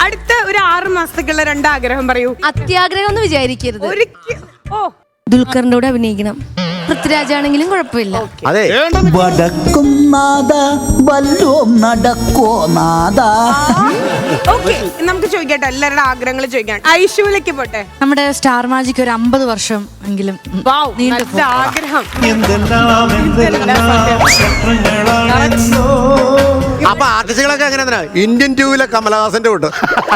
അടുത്ത ഒരു 6 മാസത്തേക്കുള്ള 2 ആഗ്രഹം പറയൂ. അത്യാഗ്രഹം എന്ന് വിചാരിക്കരുത്. ദുൽഖറിന്റെ കൂടെ അഭിനയിക്കണം. പൃഥ്വിരാജാണെങ്കിലും കുഴപ്പമില്ല. അതെ വടക്കും നാദ വല്ലോം നടക്കോ നാദ. ഓക്കെ, നമുക്ക് ചോദിക്കട്ടെ, എല്ലാവരുടെ ആഗ്രഹങ്ങൾ ചോദിക്കാം. ഐശ്വര്യക്ക് പോട്ടെ. നമ്മുടെ സ്റ്റാർ മാജിക് ഒരു 50 വർഷം എങ്കിലും നല്ല ആഗ്രഹം. അപ്പൊ ആർട്ടിസ്റ്റുകളൊക്കെ എങ്ങനെ ഇന്ത്യൻ 2-ലെ കമലഹാസന്റെ കൂട്ട്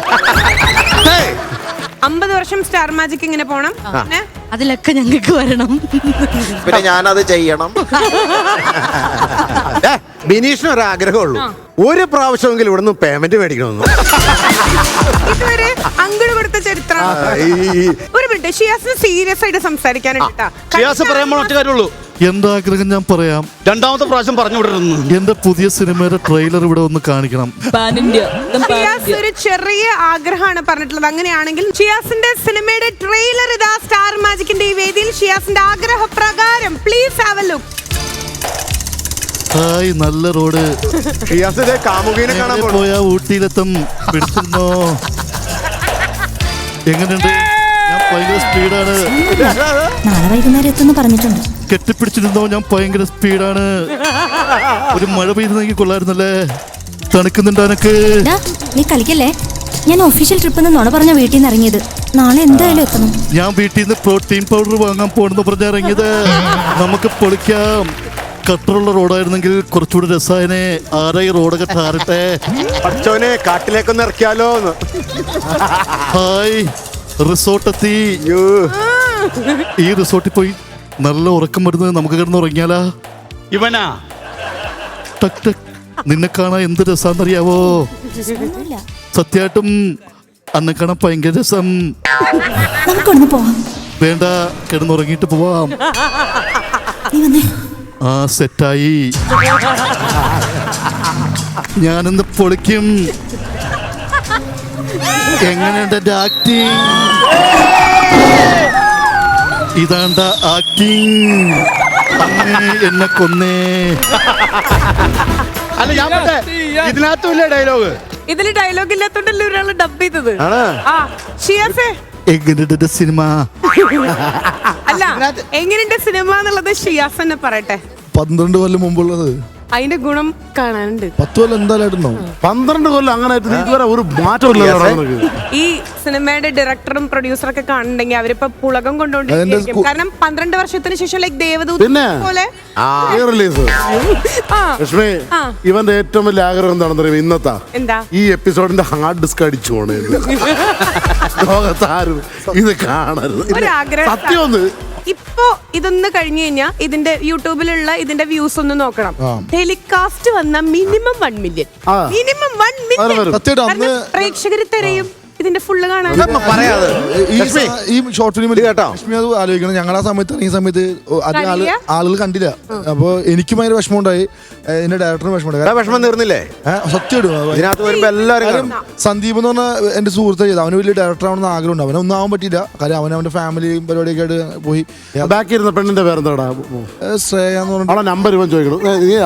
50 വർഷം സ്റ്റാർ മാജിക് ഇങ്ങനെ പോണം. അതിലൊക്കെ ഞങ്ങൾക്ക് വരണം. പിന്നെ ഞാനത് ചെയ്യണം. ബിനീഷിന് ഒരു ആഗ്രഹമുള്ളൂ, ഒരു പ്രാവശ്യമെങ്കിലും ഇവിടുന്ന് പേയ്മെന്റ് മേടിക്കണമെന്ന്. ഇതുവരെ അങ്ങോട്ട് കൊടുത്ത ചരിത്രം. ഒരു മിനിറ്റ്, ഷിയാസിന് സീരിയസ് ആയിട്ട് സംസാരിക്കാനുണ്ട്. ഷിയാസ് പറയാൻ ഒറ്റ കാര്യമുള്ളൂ. എന്റെ ആഗ്രഹം ഞാൻ പറയാം. 2ാമത്തെ പ്രാവശ്യം പറഞ്ഞു വിടരുന്നു. എന്റെ പുതിയ സിനിമയുടെ ട്രെയിലർ ഇവിടെ ഒന്ന് കാണിക്കണം. ഷിയാസ് ഒരു ചെറിയ ആഗ്രഹമാണ് പറഞ്ഞിട്ടുള്ളത്. അങ്ങനെയാണെങ്കിൽ ഷിയാസിന്റെ സിനിമയുടെ ട്രെയിലർ ഇതാ സ്റ്റാർ മാജിക്കിന്റെ ഈ വേദിയിൽ. ഷിയാസിന്റെ ആഗ്രഹപ്രകാരം please have a look. Hi, നല്ല റോഡ്. ഷിയാസ് കാമുകീനെ കാണാൻ പോയാ ഊട്ടിയിലെത്തും. പിടിച്ചിരുന്നോ? എങ്ങനെയുണ്ട്? ഞാൻ ഭയങ്കര സ്പീഡാണ്. നാളെ വൈകുന്നേരം എത്തുന്നു പറഞ്ഞിട്ടുണ്ട്. കെട്ടിപ്പിടിച്ചിരുന്നോ? ഞാൻ ഭയങ്കര സ്പീഡാണ്. ഒരു മഴ പെയ്യുന്നെങ്കിൽ കൊള്ളായിരുന്നല്ലേ. തണുക്കുന്നുണ്ട് എനക്ക്. നീ കളിക്കല്ലേ? ഞാൻ ഒഫീഷ്യൽ ട്രിപ്പ് നുണ പറഞ്ഞ വീട്ടിൽ നിന്ന് ഇറങ്ങിയത്. നാളെ എന്തായാലും എത്തണം. ഞാൻ വീട്ടിൽ നിന്ന് പ്രോട്ടീൻ പൗഡർ വാങ്ങാൻ പോണെന്ന് പറഞ്ഞ ഇറങ്ങിയത്. നമുക്ക് പൊളിക്കാം. കട്ടറുള്ള റോഡായിരുന്നെങ്കിൽ കുറച്ചുകൂടി രസായനെ. ആരായി റോഡൊക്കെ ടാറിട്ടെ. അച്ഛനെ കാട്ടിലേക്കൊന്ന് ഇറക്കിയാലോ. ഹായ്, റിസോർട്ടെത്തി. ഈ റിസോർട്ടിൽ പോയി നല്ല ഉറക്കം വരുന്നത്. നമുക്ക് കിടന്ന് ഉറങ്ങിയാലാ? ഇവനാ ടക് ടക്. നിന്നെ കാണാൻ എന്ത് രസാന്നറിയാവോ? സത്യമായിട്ടും അന്നെ കാണാൻ ഭയങ്കര രസം. നമുക്കൊന്ന് പോവാം. വേണ്ട, കിടന്നുറങ്ങിയിട്ട് പോവാം. ആ, സെറ്റായി. ഞാനെന്ന് പൊളിക്കും. എങ്ങനെയുണ്ട് എന്റെ ആക്ടിങ്? ഇതാണ്ട ആക്ടിങ്. എന്നെ കൊന്നേ. അല്ല, ഞാൻ ഇതിനകത്തും ഇല്ല ഡയലോഗ്. ഇതില് ഡയലോഗ് ഇല്ലാത്തോണ്ടല്ലേ ഒരാള് ഡബ് ചെയ്തത്. ഷിയാസേ, എങ്ങനെയുണ്ട് സിനിമ? അല്ല, എങ്ങനെയുണ്ട് സിനിമ എന്നുള്ളത് ഷിയാസ് തന്നെ പറയട്ടെ. 12 കൊല്ലം മുമ്പുള്ളത്. അതിന്റെ ഗുണം കാണാനുണ്ട്. 10 കൊല്ലം എന്തായാലും 12 കൊല്ലം അങ്ങനെ ഇതുവരെ ഒരു മാറ്റമില്ല. ഈ സിനിമയുടെ ഡയറക്ടറും പ്രൊഡ്യൂസറൊക്കെ കാണുന്നുണ്ടെങ്കിൽ അവരിപ്പോ പുളകം കൊണ്ടുകൊണ്ടിരിക്കും. കാരണം 12 വർഷത്തിന് ശേഷം ലൈക് ദേവദൂത് പോലെ റിലീസ്. ലക്ഷ്മി, ഇവന്റെ ഏറ്റവും വലിയ ആഗ്രഹം എന്താണെന്ന് അറിയാം? ഇന്നത്തെ എന്താ ഈ എപ്പിസോഡിന്റെ ഹാർഡ് ഡിസ്ക് അടിച്ചു പോണേ. ലോകത്താരും ഇത് കാണരുത്. സത്യം. ഇപ്പൊ ഇതൊന്ന് കഴിഞ്ഞു കഴിഞ്ഞാൽ ഇതിന്റെ യൂട്യൂബിലുള്ള ഇതിന്റെ വ്യൂസ് ഒന്ന് നോക്കണം. ടെലികാസ്റ്റ് വന്ന മിനിമം 1 മില്യൺ. മിനിമം 1 മില്യൺ പ്രേക്ഷകര് തിരയും ഇതിന്റെ ഫുള്ള് കാണാൻ. ഈ ഷോർട്ട് ഫിലിമിൽ കേട്ടോ ആലോചിക്കണം. ഞങ്ങൾ ആ സമയത്ത് ഇറങ്ങിയ സമയത്ത് ആളുകൾ കണ്ടില്ല. അപ്പൊ എനിക്കും ഭയങ്കര വിഷമം ഉണ്ടായി. എന്റെ ഡയറക്ടറിന് വിഷമമുണ്ടായി. വിഷമം തീർന്നില്ലേ? സത്യം. എല്ലാവരും സന്ദീപ് എന്ന് പറഞ്ഞ എന്റെ സുഹൃത്ത് ചെയ്ത്. അവന് വലിയ ഡയറക്ടർ ആവണമെന്ന് ആഗ്രഹം ഉണ്ട്. അവനൊന്നും ആവാൻ പറ്റില്ല. കാര്യം അവന്റെ ഫാമിലിയും പരിപാടിയൊക്കെ ആയിട്ട് പോയി. ബാക്കി ഇരുന്ന പെണ്ണിന്റെ പേരെന്താടാ? ശ്രേയ എന്ന് പറഞ്ഞ നമ്പർ ഇവൻ ചോദിക്കണം.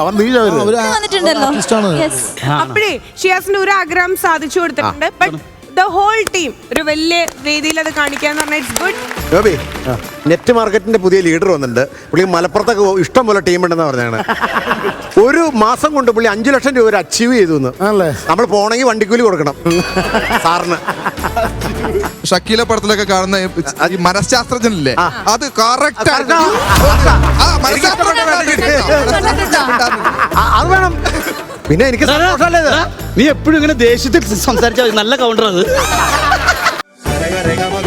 അപ്പോഴേ ഷിയാസിന്റെ ഒരു ആഗ്രഹം സാധിച്ചു കൊടുത്തിട്ടുണ്ട്. ബട്ട് the whole team ഒരു വലിയ വേദിയിൽ അത് കാണിക്കാന്ന് പറഞ്ഞാൽ ഇറ്റ്സ് ഗുഡ്. ഗോപി, നെറ്റ് മാർക്കറ്റിന്റെ പുതിയ ലീഡർ വന്നിട്ടുണ്ട്. പുള്ളി മലപ്പുറത്തൊക്കെ ഇഷ്ടം പോലെ ടീം ഉണ്ടെന്ന് പറഞ്ഞാണ്. ഒരു മാസം കൊണ്ട് പുള്ളി 5 ലക്ഷം രൂപ അച്ചീവ് ചെയ്തു. നമ്മൾ പോണെങ്കിൽ വണ്ടിക്കൂലി കൊടുക്കണം സാറിന്. ഷക്കീല പടത്തിലൊക്കെ കാണുന്ന ഈ മനഃശാസ്ത്രജ്ഞനില്ലേ, അത് കറക്റ്റ്. അത് വേണം. പിന്നെ എനിക്ക് നീ എപ്പോഴും ഇങ്ങനെ ദേഷ്യത്തിൽ സംസാരിച്ചാൽ നല്ല കൗണ്ടർ അത്.